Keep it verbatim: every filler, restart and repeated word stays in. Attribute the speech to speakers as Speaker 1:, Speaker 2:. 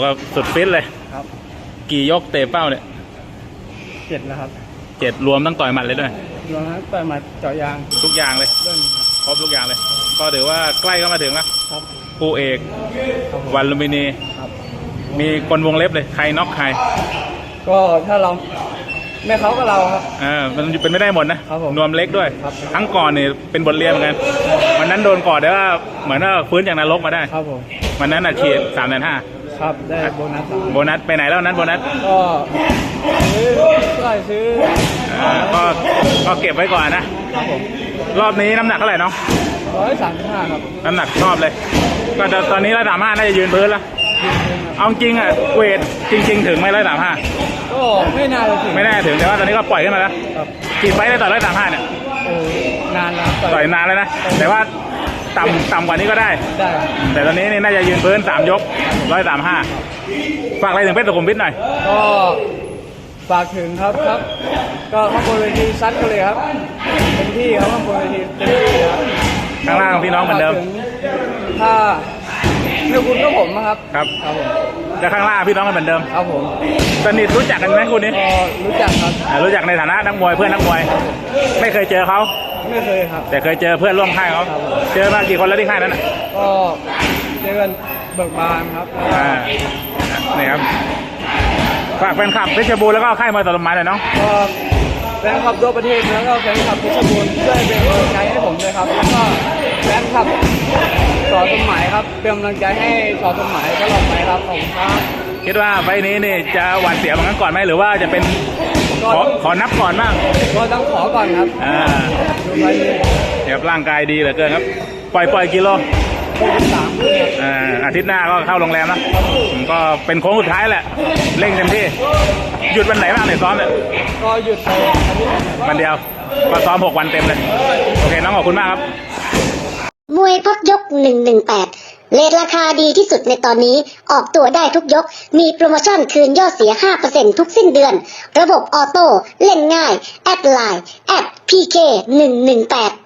Speaker 1: ก็สุดฟิตเลย
Speaker 2: ครับ
Speaker 1: กี่ยกเตะเป้าเนี่ย
Speaker 2: เจ็ดแล้วครับ
Speaker 1: เจ็ดรวมตั้งต่อยหมัดเลยด้วย
Speaker 2: รวมทั้งต่อยหมัดเจาะยาง
Speaker 1: ทุกอย่างเลยครบทุกอย่างเลยก็ถือว่าใกล้เข้ามาถึงแล้วคู่เอกวันลุมพินีมีคนวงเล็บเลยใครน็อกใคร
Speaker 2: ก็ถ้าเราไม่เขาก็เราครับ
Speaker 1: อ่ามันเป็นไม่ได้หมดนะนวมเล็กด้วยทั้งก่อนเนี่ยเป็นบทเรียนเหมือนกันวันนั้นโดนก่อนแต่ว่าเหมือนว่าฟื้นจากนรกมาได้
Speaker 2: ครับผม
Speaker 1: วันนั้นอาชีพสามแสนห้า
Speaker 2: ครับได้โบนัส
Speaker 1: โบนัสไปไหนแล้วนั้นโบนัส
Speaker 2: ก็ซื้อก็ซื้อ
Speaker 1: ก็ก็เก็บไว้ก่อนนะครับผมรอบนี้น้ำหนักเท่าไหร่น้อง
Speaker 2: ร้อยสามสิบห้าครับ
Speaker 1: น้ำหนักชอบเลยก็ตอนนี้ร้อยสามห้าน่าจะยืนพื้นแล้วเอาจริงอ่ะเวทจริงๆถึงไหมร้อยสามห้า
Speaker 2: ก็ไม่น่าถึง
Speaker 1: ไม่น่าถึงแต่ว่าตอนนี้ก็ปล่อยขึ้นมาแล้วกี่ไฟได้ต่อร้อยสามห้าเนี่ย
Speaker 2: โอ้นานแล้ว
Speaker 1: ต่อยนานเลยนะแต่ว่าต่ำต่ำกว่านี้ก็ได้
Speaker 2: ได้
Speaker 1: แต่ตอนนี้นี่น่าจะยืนพื้นสามยกร้อยสามห้าฝากอะไรถึงเพชรสุขุมวิทหน่อย
Speaker 2: ก็ฝากถึงครับครับก็ข้างบนเวทีซัดกันเลยครับเต็มที่ครับข้างบนเวทีเต็มที่ครับ
Speaker 1: ข้างล่างพี่น้องเหมือนเดิม
Speaker 2: ถ้าเมื่อคุณก็ผมนะครับ
Speaker 1: ครับครับผมแต่ข้างล่างพี่น้องกันเหมือนเดิม
Speaker 2: ครับผม
Speaker 1: สนิทรู้จักกันไหมคุณนี้
Speaker 2: รู้จักครับ
Speaker 1: รู้จักในฐานะนักมวยเพื่อนนักมวยไม่เคยเจอเขา
Speaker 2: ไม่เคยครับ
Speaker 1: แต่เคยเจอเพื่อนร่วมค่ายเขาเจอมากี่คนแล้วที่ค่ายนั้น
Speaker 2: ก็เจอกันเบิกบานครับ
Speaker 1: อ่านี่ครับฝากแฟนคลับเพชรบูรณ์แล้วก็ค่ายมวยต่อลมไม้หน่อยน้อง
Speaker 2: ก็แฟนคลับทั่วประเทศแล้วก็แฟนคลับเพชรบูรณ์ช่วยเป็นกำลังใจให้ผมด้วยครับแล้วก็แฟนคลับสอสมหมายครับเป็นกำลังใจให้สอสมหมายตลอดไปครับขอบคุณครับ
Speaker 1: คิดว่าไฟนี้นี่จะหวานเสียวเหมือนกันก่อนไหมหรือว่าจะเป็นขอขอนับก่อนบ้าง
Speaker 2: ก็ต้องขอก่อนครับ
Speaker 1: อ่า
Speaker 2: ดูไฟนี้
Speaker 1: เดี๋ยวร่างกายดีเหลือเกินครับปล่อยปล่อยกิโล
Speaker 2: สาม
Speaker 1: อ่าอาทิตย์หน้าก็เข้าโรงแรมนะก็เป็นโค้งสุดท้ายแหละเร่งเต็มที่หยุดวันไหนบ้างเนี่ยซ้อมเนี่ย
Speaker 2: ก็หยุดไป
Speaker 1: วันเดียวก็ซ้อมหกวันเต็มเลยโอเคน้องขอบคุณมากครับ
Speaker 3: มวยพักยกหนึ่งหนึ่งแปดเรทราคาดีที่สุดในตอนนี้ออกตัวได้ทุกยกมีโปรโมชั่นคืนยอดเสีย ห้าเปอร์เซ็นต์ ทุกสิ้นเดือนระบบออโต้เล่นง่ายแอดไลน์แอด พี เค หนึ่งหนึ่งแปด